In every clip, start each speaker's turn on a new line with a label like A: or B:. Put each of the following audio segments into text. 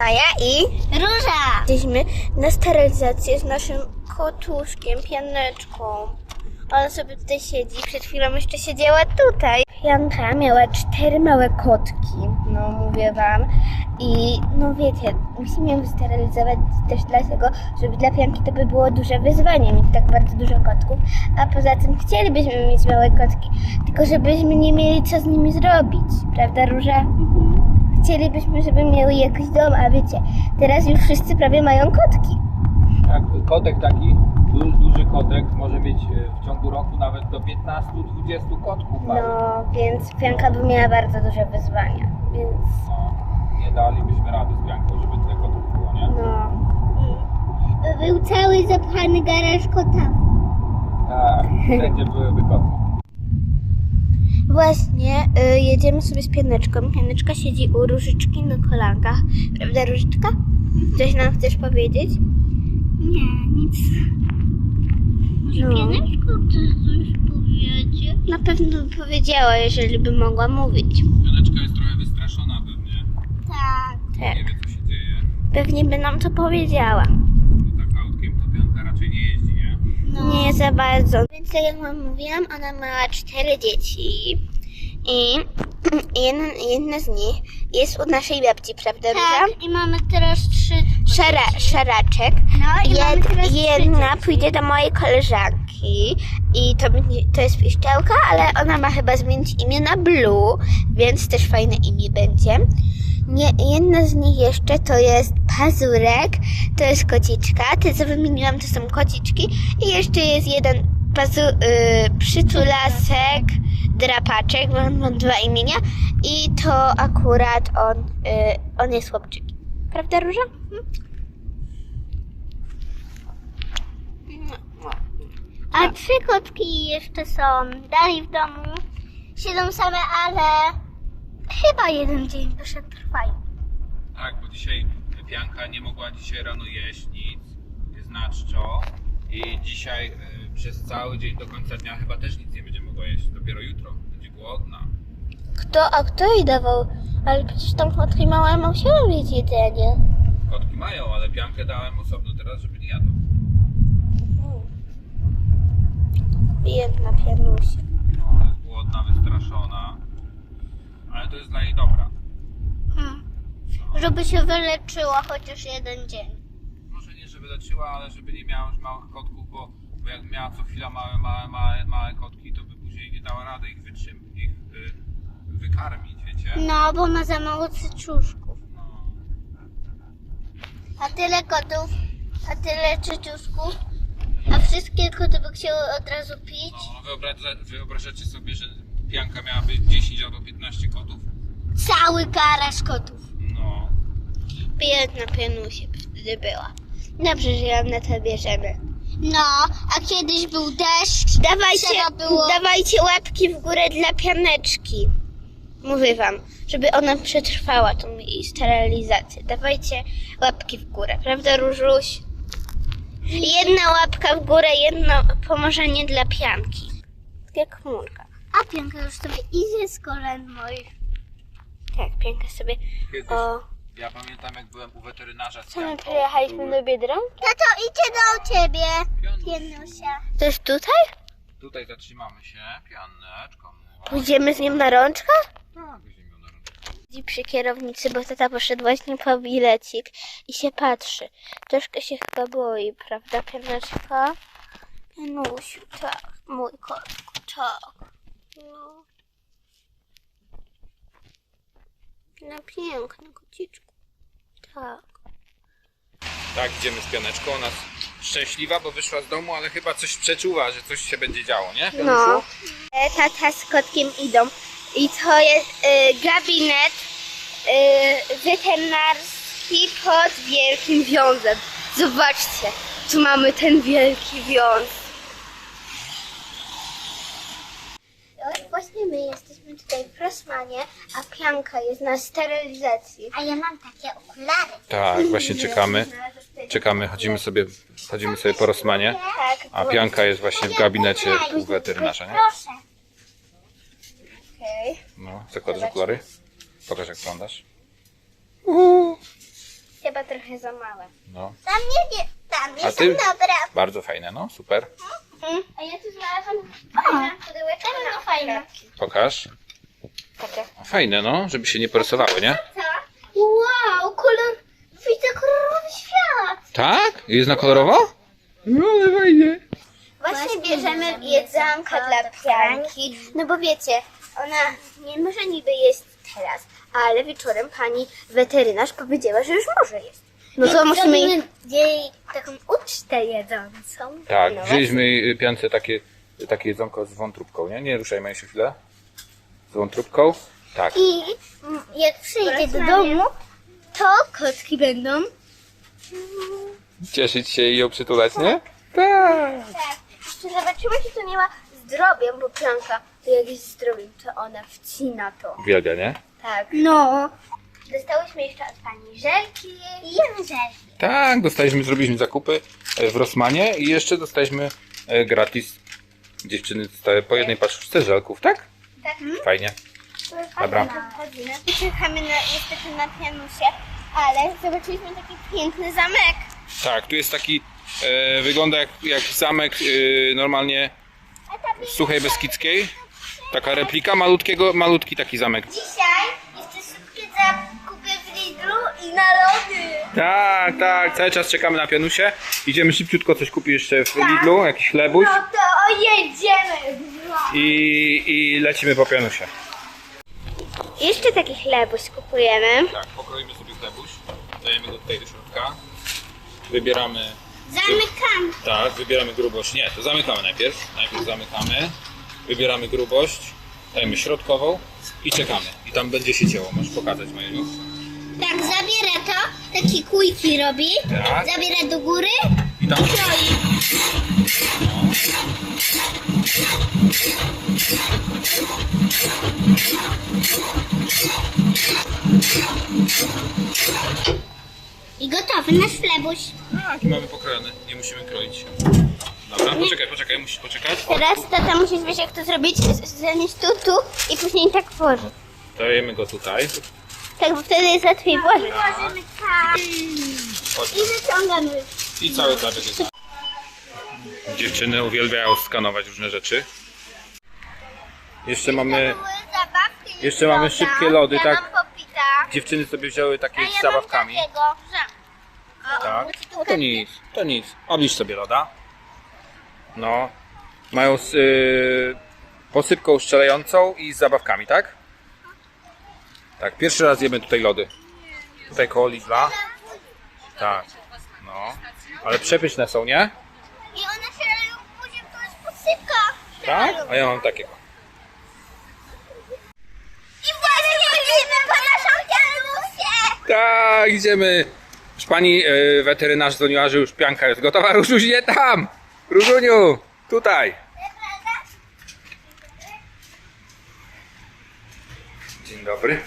A: Maja i
B: Róża!
A: jesteśmy na sterylizację z naszym kotuszkiem, Pianeczką. Ona sobie tutaj siedzi, przed chwilą jeszcze siedziała tutaj. Pianka miała 4 małe kotki, no mówię wam. I no wiecie, musimy ją sterylizować też dlatego, żeby dla Pianki to by było duże wyzwanie mieć tak bardzo dużo kotków. A poza tym chcielibyśmy mieć małe kotki, tylko żebyśmy nie mieli co z nimi zrobić. Prawda, Róża? Chcielibyśmy, żeby miały jakiś dom, a wiecie, teraz już wszyscy prawie mają kotki.
C: Tak, kotek taki, duży kotek może mieć w ciągu roku nawet do 15-20 kotków małych.
A: No, więc Pianka by miała bardzo duże wyzwania, więc
C: No, nie dalibyśmy rady z Pianką, żeby tyle kotów było, nie?
A: no.
B: Był cały zapchany garaż kota.
C: Tak, wszędzie byłyby koty.
A: Właśnie jedziemy sobie z Pianeczką. Pianeczka siedzi u Różyczki na kolankach. Prawda, Różyczka? Coś nam chcesz powiedzieć?
B: Nie, nic. Może
A: No.
B: Pianeczko chce coś powiedzieć?
A: Na pewno by powiedziała, jeżeli by mogła mówić.
C: Pianeczka jest trochę wystraszona pewnie.
B: Tak.
A: Tak,
C: Nie wie, co się dzieje.
A: pewnie by nam to powiedziała.
C: Bo tak autkiem to Pianka raczej nie jeździ, nie?
B: No.
A: Nie za bardzo. Więc tak jak wam mówiłam, ona ma 4 dzieci. I jedna z nich jest u naszej babci, prawda, Róża?
B: Tak, i mamy teraz 3.
A: Szaraczek.
B: No i mamy teraz 3
A: Jedna
B: dzieci.
A: pójdzie do mojej koleżanki i to jest piszczałka, ale ona ma chyba zmienić imię na Blue, więc też fajne imię będzie. Jedna z nich jeszcze to jest Pazurek, to jest kociczka, te co wymieniłam to są kociczki i jeszcze jest jeden przytulasek, Drapaczek, bo on ma 2 imienia i to akurat on jest chłopczykiem. Prawda, Róża?
B: A 3 kotki jeszcze są dalej w domu. Siedzą same, ale chyba jeden dzień jeszcze trwają.
C: Tak, bo dzisiaj Pianka nie mogła dzisiaj rano jeść nic, jest na czczo i dzisiaj przez cały dzień do końca dnia chyba też nic nie będzie mogła jeść, dopiero jutro będzie głodna.
A: Kto jej dawał? Ale przecież tam kotki małe musiały mieć jedzenie.
C: Kotki mają, ale Piankę dałem osobno teraz, żeby nie jadła.
A: Biedna Pianusia.
C: No, jest głodna, wystraszona, ale to jest dla jej dobra.
B: Żeby się wyleczyła chociaż jeden dzień.
C: Może nie, żeby leczyła, ale żeby nie miała już małych kotków, bo jak miała co chwila małe kotki, to by później nie dała rady ich wykarmić, wiecie?
B: No, bo ma za mało cycuszków.
C: No.
B: A tyle kotów, a tyle cycuszków, a wszystkie koty by chciały od razu pić.
C: No, wyobrażacie sobie, że Pianka miałaby 10 albo 15 kotów?
B: Cały garaż kotów.
C: No.
A: Biedna Pianusia wtedy była. Dobrze, że ją na to bierzemy.
B: No, a kiedyś był deszcz. Trzeba było...
A: Dawajcie łapki w górę dla Pianeczki. Mówię wam, żeby ona przetrwała tą jej sterylizację. Dawajcie łapki w górę, prawda, Różuś? Jedna łapka w górę, jedno pomożenie dla Pianki. Tak jak chmurka.
B: A Pianka już sobie idzie z kolan moich.
A: Tak, Pianka sobie...
C: Kiedyś,
A: O,
C: ja pamiętam, jak byłem u weterynarza z
A: co my
C: Pianką,
A: przyjechaliśmy
C: były-
A: do Biedronki?
B: Tato, idzie do ciebie,
C: Pianuś.
B: Pienusia.
A: To jest tutaj?
C: Tutaj zatrzymamy się, Pianeczko.
A: Pójdziemy z nim na rączkach?
C: Tak, weźmiemy ją na rączkę.
A: Siedzi przy kierownicy, bo tata poszedł właśnie po bilecik i się patrzy. Troszkę się chyba boi, prawda, Pianeczka? Janusiu, tak, mój kotku, tak. No. No piękny kociczku. Tak.
C: Tak, idziemy z Pianeczką, ona jest szczęśliwa, bo wyszła z domu, ale chyba coś przeczuwa, że coś się będzie działo, nie, Pianuszu?
A: No. Tata z kotkiem idą. I to jest gabinet weterynarski pod Wielkim Wiązem. Zobaczcie, tu mamy ten wielki wiąz. Właśnie my jesteśmy tutaj w Rossmanie, a Pianka jest na sterylizacji.
B: A ja mam takie okulary.
C: Tak, właśnie czekamy, chodzimy sobie po Rossmanie,
A: Tak,
C: a Pianka jest właśnie w gabinecie u weterynarza, nie?
B: Proszę.
A: okej.
C: No, zakładasz okulary? Pokaż, jak wyglądasz.
A: chyba trochę za małe.
C: No.
B: Tam
C: A
B: jest
C: ty?
B: dobra.
C: Bardzo fajne, no super.
A: A ja tu znalazłam fajne pudełeczko na fajne.
C: Pokaż.
A: Takie.
C: Fajne, no, żeby się nie porysowały, nie?
B: Wow, widzę kolorowy świat.
C: Tak? Jest na kolorowo? No, ale fajnie.
A: Właśnie bierzemy jedzonko dla pianki, no bo wiecie, ona nie może niby jeść teraz, ale wieczorem pani weterynarz powiedziała, że już może jeść. No to musimy jej taką ucztę jedzącą.
C: Tak,
A: No
C: wzięliśmy piance takie jedzonko z wątróbką, nie? Nie ruszajmy jeszcze chwilę. Z wątróbką. Tak.
B: I jak przyjdę do domu, to kotki będą.
C: Cieszyć się i ją przytulać, nie? Tak.
A: Tak. Jeszcze zobaczymy, czy to nie ma zdrowiem, bo pianka, to jak jest zdrowiem, to ona wcina to.
C: Uwielbia, nie?
A: Tak.
B: No.
A: Dostałyśmy jeszcze od pani żelki.
B: Jemy żelki.
C: Tak, zrobiliśmy zakupy w Rossmanie i jeszcze dostaliśmy gratis. Dziewczyny dostały po jednej paczce żelków, tak?
A: Tak.
C: Fajnie. Dobra.
A: Chodzimy. I czekamy niestety na pianusie, ale zobaczyliśmy taki piękny zamek.
C: Tak, tu jest taki, wygląda jak zamek normalnie z Suchej Beskidzkiej. Taka replika, malutki taki zamek.
B: Dzisiaj jeszcze szybkie zakupy w Lidlu i na lody.
C: Tak, cały czas czekamy na pianusie. Idziemy szybciutko coś kupić jeszcze w Lidlu, jakiś chlebuś
B: No to jedziemy.
C: i lecimy po pianusie.
A: Jeszcze taki chlebuś kupujemy.
C: Tak, pokroimy sobie chlebuś, dajemy go tutaj do środka, wybieramy...
B: Zamykam.
C: Tak, wybieramy grubość. Nie, to zamykamy najpierw. Najpierw zamykamy, wybieramy grubość, dajemy środkową i czekamy. I tam będzie się cięło. Możesz pokazać, Majuniu.
B: Tak, zabiera to, takie kujki robi.
C: Tak.
B: Zabiera do góry.
C: I tam...
B: I gotowy nasz chlebuś.
C: Tak, i mamy pokrojony. Nie musimy kroić. Dobra, poczekaj, musisz poczekać.
A: Teraz tata musisz wiesz jak to zrobić, zanieść tu i później tak włożyć.
C: Dajemy go tutaj.
A: Tak, bo wtedy jest łatwiej włożyć.
B: Włożymy tak.
C: Chodź.
B: I wyciągamy.
C: I cały chlebek jest. Dziewczyny uwielbiają skanować różne rzeczy. Jeszcze mamy szybkie lody,
B: ja
C: tak?
B: Mam popita.
C: Dziewczyny sobie wzięły takie
B: A ja
C: z zabawkami.
B: Mam takiego,
C: Tak. No to nic. Obliż sobie loda. No. Mają z posypką strzelającą i z zabawkami, tak? Tak, pierwszy raz jemy tutaj lody. Tutaj koło Lidla. Tak. No. Ale przepyszne są, nie?
B: I one się leją później, to jest posypka.
C: Tak? A ja mam takiego.
B: I właśnie chodzimy po naszą pianusię.
C: Tak, idziemy. Już pani weterynarz dzwoniła, że już pianka jest gotowa. Różuś, nie tam! Różuniu, tutaj. Dzień dobry.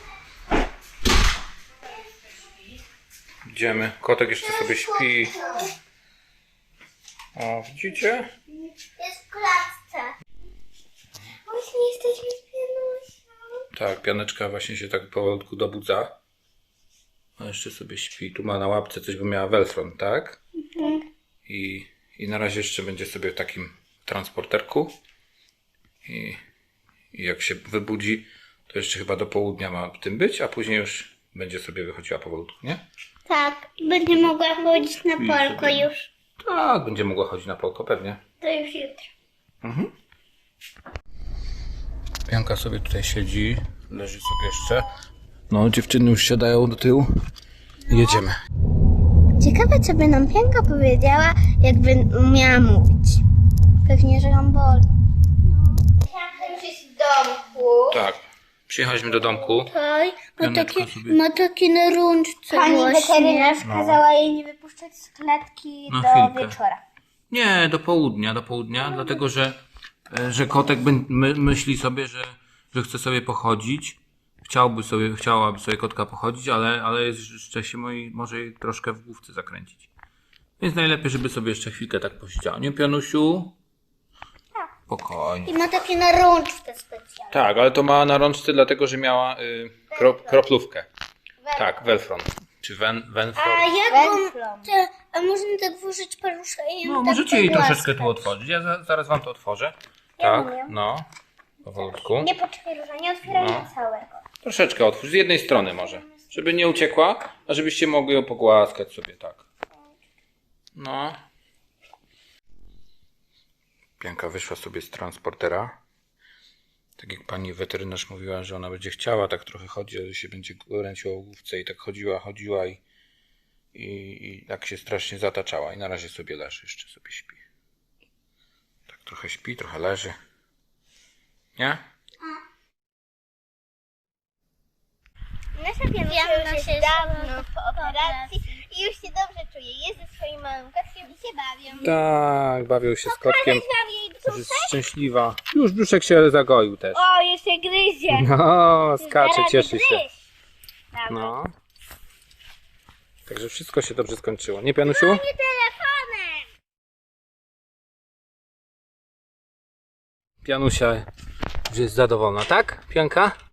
C: Idziemy. Kotek jeszcze sobie śpi. O, widzicie?
B: Jest w klatce. Właśnie jesteśmy z pianusią.
C: Tak, pianeczka właśnie się tak powolutku dobudza. A jeszcze sobie śpi. Tu ma na łapce coś, bo miała Velfron, tak? I na razie jeszcze będzie sobie w takim transporterku. I jak się wybudzi, to jeszcze chyba do południa ma w tym być, a później już będzie sobie wychodziła powolutku, nie?
B: Tak, będzie mogła chodzić na polko
C: sobie.
B: już.
C: Tak, będzie mogła chodzić na polko, pewnie.
B: To już jutro.
C: Pianka sobie tutaj siedzi, leży sobie jeszcze. No, dziewczyny już siadają do tyłu. Jedziemy.
A: Ciekawe, co by nam Pianka powiedziała, jakby umiała mówić. Pewnie, że ją boli. Pianka już jest w domku.
C: Tak, przyjechaliśmy do domku.
B: Oj,
C: Pianeczka sobie...
B: ma takie na rączce
A: Pani
B: właśnie.
A: weterynarz kazała jej nie wypuszczać z klatki
C: Na
A: do
C: chwilkę.
A: wieczora.
C: Nie, do południa, dlatego że kotek myśli sobie, że chce sobie pochodzić. Chciałaby sobie kotka pochodzić, ale jeszcze się może jej troszkę w główce zakręcić. Więc najlepiej, żeby sobie jeszcze chwilkę tak posiedziała. Nie, Pianusiu? Spokojnie.
B: I ma takie na rączce specjalne.
C: Tak, ale to ma na rączce dlatego, że miała kroplówkę. Tak, Velfron. Czy Wenflor?
B: A jak
A: Węflą.
B: a można tak włożyć paluszka i
C: No,
B: tak
C: możecie jej
B: pogłaskać?
C: troszeczkę tu otworzyć. Ja zaraz wam to otworzę.
A: Ja
C: Tak,
A: umiem.
C: no. Powolutku.
A: Nie poczekaj, Róża, nie otwieraj
C: No.
A: całego.
C: Troszeczkę otwórz, z jednej strony może. Żeby nie uciekła, a żebyście mogli ją pogłaskać sobie, tak. No. Pianka wyszła sobie z transportera. Tak jak pani weterynarz mówiła, że ona będzie chciała tak trochę chodzić, że się będzie kręciła o główce i tak chodziła i tak się strasznie zataczała. I na razie sobie leży, jeszcze sobie śpi. Tak trochę śpi, trochę leży. Nie?
A: Nasza pianusia
B: Pianka
A: już
B: się
A: jest dawno
B: znowu
A: po operacji i już się dobrze czuje. Jest ze swoim małym kotkiem i się bawią.
C: Tak, bawią się z kotkiem.
A: Wam jej brzuch?
C: Jest szczęśliwa. Już brzuszek się zagoił też.
A: O, jeszcze gryzie.
C: No, skacze,
A: Zaraz
C: cieszy się.
A: gryź. Dawaj.
C: No. Także wszystko się dobrze skończyło. Nie, Pianusiu?
A: Nie telefonem.
C: Pianusia już jest zadowolona, tak? Pianka?